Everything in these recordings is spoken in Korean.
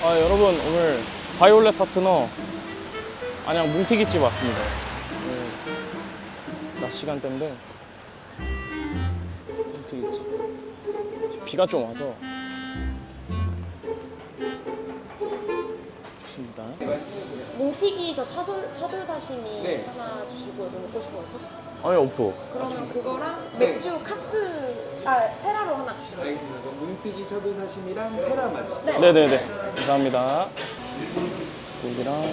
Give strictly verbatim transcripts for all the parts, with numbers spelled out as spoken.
아, 여러분 오늘 바이올렛 파트너 안양 뭉티기집 왔습니다. 네, 낮 시간대인데 뭉티기집 비가 좀 와서 좋습니다. 뭉티기 저 차솔, 차돌 사시미 네. 하나 주시고 이거 먹고 싶어서. 아니 없어. 그러면 그거랑 맥주 카스 아 테라로 하나 주시고. 알겠습니다. 그럼 문띠기 차돌 사심이랑 테라만. 네. 네네네, 감사합니다. 고기랑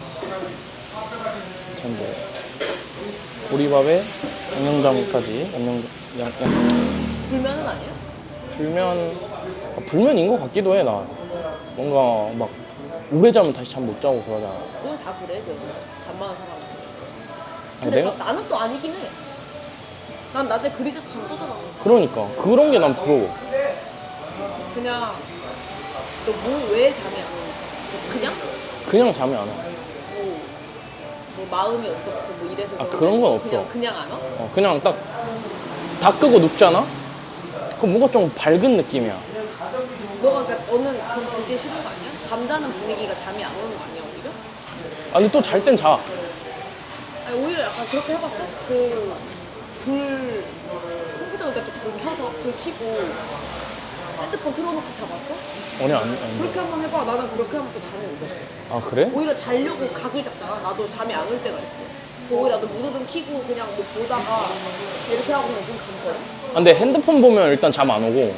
전복, 보리밥에 양념장까지. 양념 양, 양 불면은 아니에요? 불면 아, 불면인 것 같기도 해. 나 뭔가 막 오래 자면 다시 잠 못 자고 그러잖아. 그건 다 그래 저 잠 많은 사람은. 아니, 근데 내가 나, 나는 또 아니긴 해. 난 낮에 그리자도 잠 또 자잖아. 그러니까 그런 게 난 부러워. 그냥 너 뭐 왜 잠이 안 오니까? 그냥 그냥 잠이 안 와. 뭐, 뭐 마음이 어떻고 뭐 이래서 아, 그런 그런 건 게 없어. 그냥 그냥 안 와? 어, 그냥 딱 다 끄고 눕잖아? 그럼 뭔가 좀 밝은 느낌이야. 너가 그러니까 너는 그럼 그게 싫은 거 아니야? 잠자는 분위기가 잠이 안 오는 거 아니야 오히려? 아, 근데 또 잘 땐 자. 아니 오히려 약간 그렇게 해봤어? 그 불 컴퓨터 그러니까 좀 불 켜서 불 켜고 핸드폰 틀어놓고 자봤어? 아니, 아니, 아니. 그렇게 한번 해봐. 나는 그렇게 하면 또 잠이 오거든. 아, 그래? 오히려 자려고 각을 잡잖아. 나도 잠이 안 올 때가 있어. 오히려 나도 무드등 켜고 그냥 뭐 보다가 이렇게 하고 그냥 눈 감거든. 아, 근데 핸드폰 보면 일단 잠 안 오고.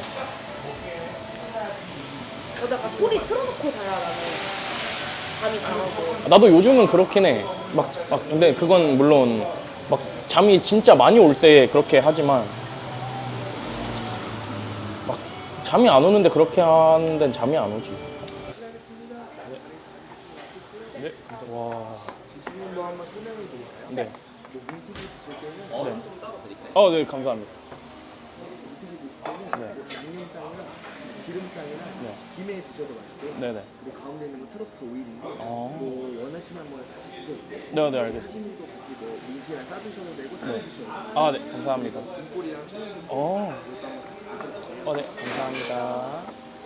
나도 약간 소리 틀어놓고 자야 나는 잠이 잘 오고. 나도 요즘은 그렇긴 해. 막, 막, 근데 그건 물론 막 잠이 진짜 많이 올 때 그렇게 하지만 막 잠이 안 오는데 그렇게 하는 데는 잠이 안 오지. 네. 네. 와. 드시는 거 한번 설명해 드릴까요? 네. 뭐 문띠기 드실 때는 네. 좀 따로 드릴까요? 어, 네, 감사합니다. 문띠기 드실 때는 네. 뭐 양념장이랑 기름장이랑 네. 김에 드셔도 맛있고 네네. 그리고 가운데 있는 건 트러플 오일인데 아. 뭐 원하시면 뭐 같이 드셔도 돼요. 네, 네, 알겠습니다. 사시미도 같이 뭐 민트랑 싸 드셔도 되고 따로 드셔도 돼요. 아, 네, 감사합니다. 등골이랑 천연분 어, 이것도 한번 같이 드셔도 돼요. 어, 네, 감사합니다.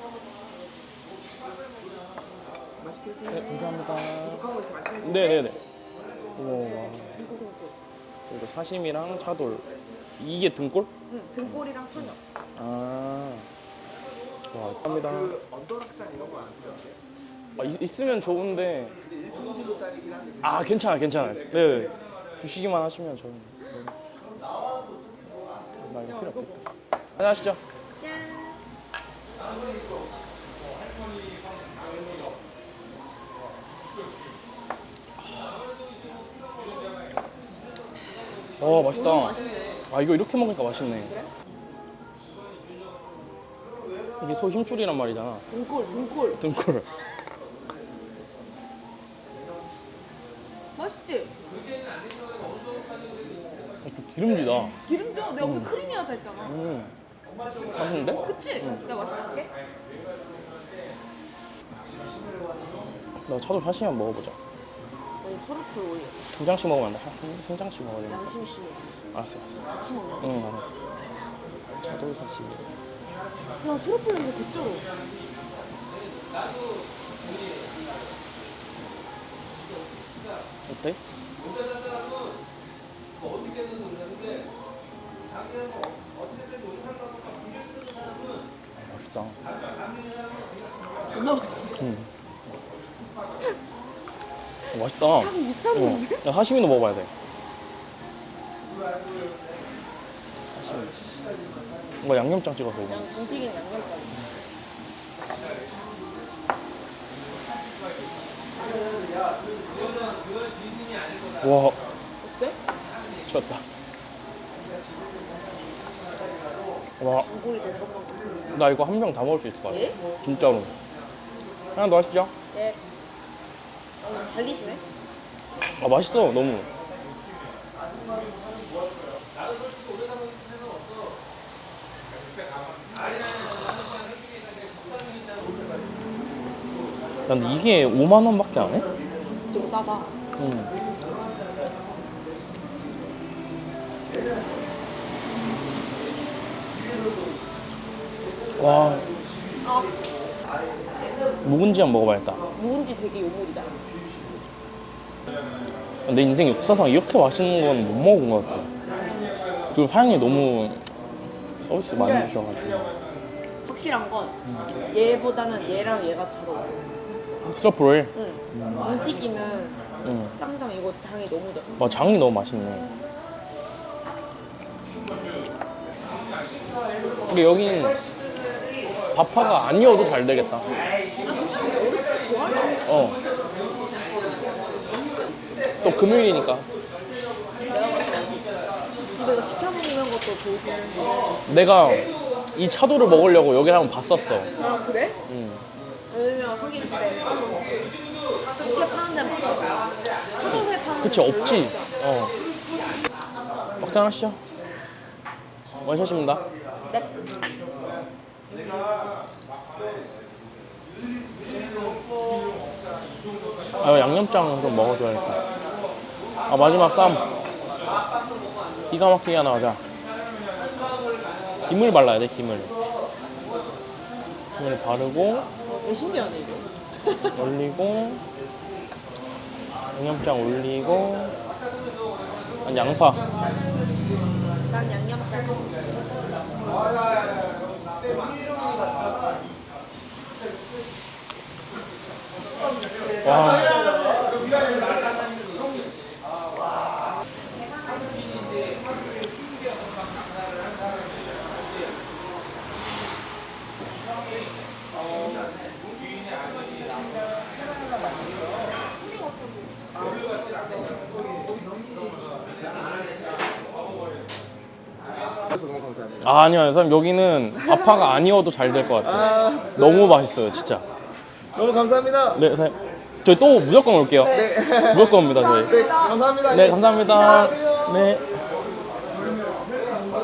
맛있게 드세요. 네, 감사합니다. 부족한 거 있으면 말씀해 주세요. 네네네. 오, 등골 등골. 그리고 사심이랑 차돌. 이게 등골? 응, 등골이랑 천엽. 아, 와, 감사합니다. 그 언더락장 이런 거 안 필요하세요? 아, 있, 있으면 좋은데. 근데 일 킬로그램짜리긴 한데 아, 괜찮아, 괜찮아. 네, 주시기만 하시면 저는. 네. 나 이거 필요 없겠다. 안녕하시죠. 어, 맛있다. 아, 이거 이렇게 먹으니까 맛있네. 이게 소 힘줄이란 말이잖아. 등골 등골. 등골. 맛있지? 어, 좀 기름지다. 기름져. 내가 오늘 크리미하다 했잖아. 음, 맛있는데? 그치? 내가 맛있다 할게. 나 차돌 사시미 한번 먹어보자. 아니 트러플 오일. 두 장씩 먹으면 안 돼? 한, 한 장씩 먹어야 돼. 양심 씨 알았어, 알았어. 같이 먹는 거. 응, 알았어. 차돌 사시미. 야 트러플 냄새 개쩔어. 어때? 아, 맛있다. 존나 맛있어. 응. 어, 맛있다. 향 미쳤는데? 어. 야, 사시미도 먹어봐야 돼. 사시미. 뭔가 양념장 찍어서 이거. 그냥 뭉티기는 양념장. 와, 어때? 미쳤다. 와, 등골이 될 것만 같은. 나 이거 한 병 다 먹을 수 있을 것 같아. 예? 진짜로. 하나 더 하시죠. 네. 오늘 달리시네? 아, 맛있어, 너무. 야, 근데 이게 오만 원밖에 안 해? 좀 싸다. 응. 와, 아. 묵은지 한번 먹어봐야겠다. 묵은지 되게 요물이다. 내 인생 역사상 이렇게 맛있는 건 못 먹어본 것 같아. 그리고 사장님이 너무 서비스 많이 주셔가지고. 확실한 건 얘보다는 얘랑 얘가 더 잘 어울려. 스러프를. 응. 움직이는 응. 짱장 이거 장이 너무 잘. 와, 장이 너무 맛있네. 근데 여기는 밥파가 아니어도 잘 되겠다. 어. 또 금요일이니까. 집에서 시켜 먹는 것도 좋고. 내가 이 차도를 먹으려고 여기를 한번 봤었어. 아 그래? 응. 왜냐면 하긴 집에 육회 파는 데는 많아. 차돌회 파는 그치, 데는 별로 없지. 없잖아. 어. 막장 하시죠. 원샷입니다. 네. 아, 양념장 좀 먹어줘야겠다. 아, 마지막 쌈. 기가 막히게 하나 가자. 김을 발라야 돼, 김을. 김을 바르고, 왜 신기하네 이거. 올리고, 양념장 올리고, 한 양파. 난 양념장. 와. 그래서 너무 감사합니다. 아, 아니요, 선생님. 여기는 아파가 아니어도 잘 될 것 같아요. 아, 너무 맛있어요, 진짜. 너무 감사합니다. 네, 선생님. 저희 또 무조건 올게요. 네. 무조건 옵니다, 저희. 네, 감사합니다. 네, 감사합니다. 안녕하세요. 네.